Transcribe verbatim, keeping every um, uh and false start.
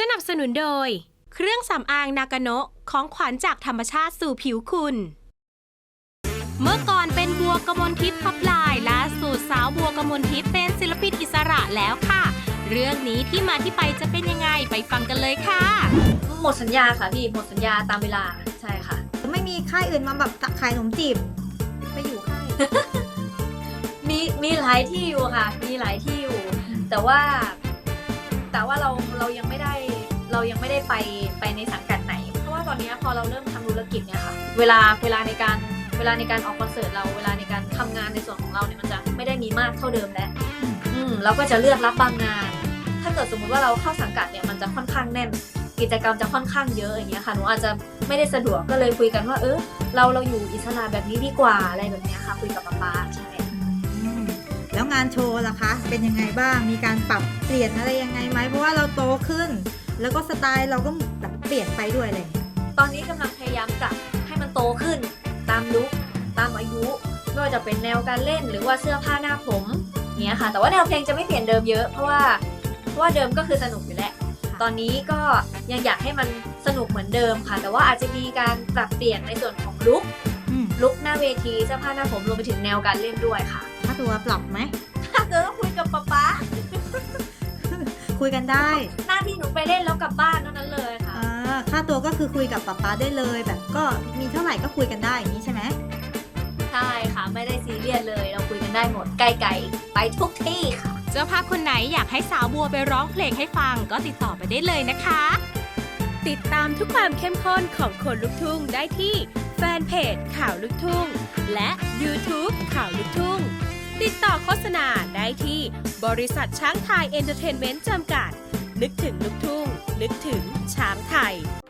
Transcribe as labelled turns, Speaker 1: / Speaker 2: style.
Speaker 1: นับสนุนโดยเครื่องสำอางนากาโนะของขวัญจากธรรมชาติสู่ผิวคุณเมื่อก่อนเป็นบัวกมลทิพย์พับลายล่าสุดสาวบัวกมลทิพย์เป็นศิลปินอิสระแล้วค่ะเรื่องนี้ที่มาที่ไปจะเป็นยังไงไปฟังกันเลยค่ะ
Speaker 2: หมดสัญญาค่ะพี่หมดสัญญาตามเวลาใช่ค่ะ
Speaker 3: ไม่มีค่ายอื่นมาแบบขายขนมจีบไปอยู่ค่าย
Speaker 2: มีมีหลายที่อยู่ค่ะมีหลายที่อยู่แต่ว่าแต่ว่าเราเรายังไม่ได้เรายังไม่ได้ไปไปในสังกัดไหนเพราะว่าตอนนี้พอเราเริ่มทำธุรกิจเนี่ยค่ะเวลาเวลาในการเวลาในการออกคอนเสิร์ตเราเวลาในการทำงานในส่วนของเราเนี่ยมันจะไม่ได้มีมากเท่าเดิมแล้วอืมเราก็จะเลือกรับบางงาน ถ้าเกิดสมมุติว่าเราเข้าสังกัดเนี่ยมันจะค่อนข้างแน่นกิจกรรมจะค่อนข้างเยอะอย่างเงี้ยค่ะหนูอาจจะไม่ได้สะดวกก็เลยคุยกันว่าเออเราเราอยู่อิสระแบบนี้ดีกว่าอะไรแบบเนี้ยค่ะคุยกับป๊าป๊าใช่
Speaker 3: แล้วงานโชว์ล่ะคะเป็นยังไงบ้างมีการปรับเปลี่ยนอะไรยังไงไหมเพราะว่าเราโตขึ้นแล้วก็สไตล์เราก็แบบเปลี่ยนไปด้วยเลย
Speaker 2: ตอนนี้กำลังพยายามปรับให้มันโตขึ้นตามลุคตามอายุไม่ว่าจะเป็นแนวการเล่นหรือว่าเสื้อผ้าหน้าผมเนี้ยค่ะแต่ว่าแนวเพลงจะไม่เปลี่ยนเดิมเยอะเพราะว่าเพราะว่าเดิมก็คือสนุกอยู่แล้วตอนนี้ก็ยังอยากให้มันสนุกเหมือนเดิมค่ะแต่ว่าอาจจะมีการปรับเปลี่ยนในส่วนของลุคลุคหน้าเวทีเสื้อผ้าหน้าผมรวมไปถึงแนวการเล่นด้วยค่ะ
Speaker 3: ถ้าตัวปรับไหม
Speaker 2: ถ้าเกิดต้องคุยกับป๊าป๊า
Speaker 3: คุยกันได้
Speaker 2: หน้าที่หนูไปเล่นแล้วกลับบ้านเท่านั้นเลยค่ะ
Speaker 3: ค่าตัวก็คือคุยกับป๊าป๊าได้เลยแบบก็มีเท่าไหร่ก็คุยกันได้อย่างนี้ใช่ไหม
Speaker 2: ใช่ค่ะไม่ได้ซีเรียสเลยเราคุยกันได้หมดไกลๆไปทุกที่ค่ะ
Speaker 1: เจ้าภาพคนไหนอยากให้สาวบัวไปร้องเพลงให้ฟังก็ติดต่อไปได้เลยนะคะติดตามทุกความเข้มข้นของคนลุกทุ่งได้ที่แฟนเพจข่าวลุกทุ่งและ YouTube ข่าวลุกทุ่งติดต่อโฆษณาได้ที่บริษัทช้างไทยเอนเตอร์เทนเมนต์จำกัดนึกถึงลุกทุ่งนึกถึงช้างไทย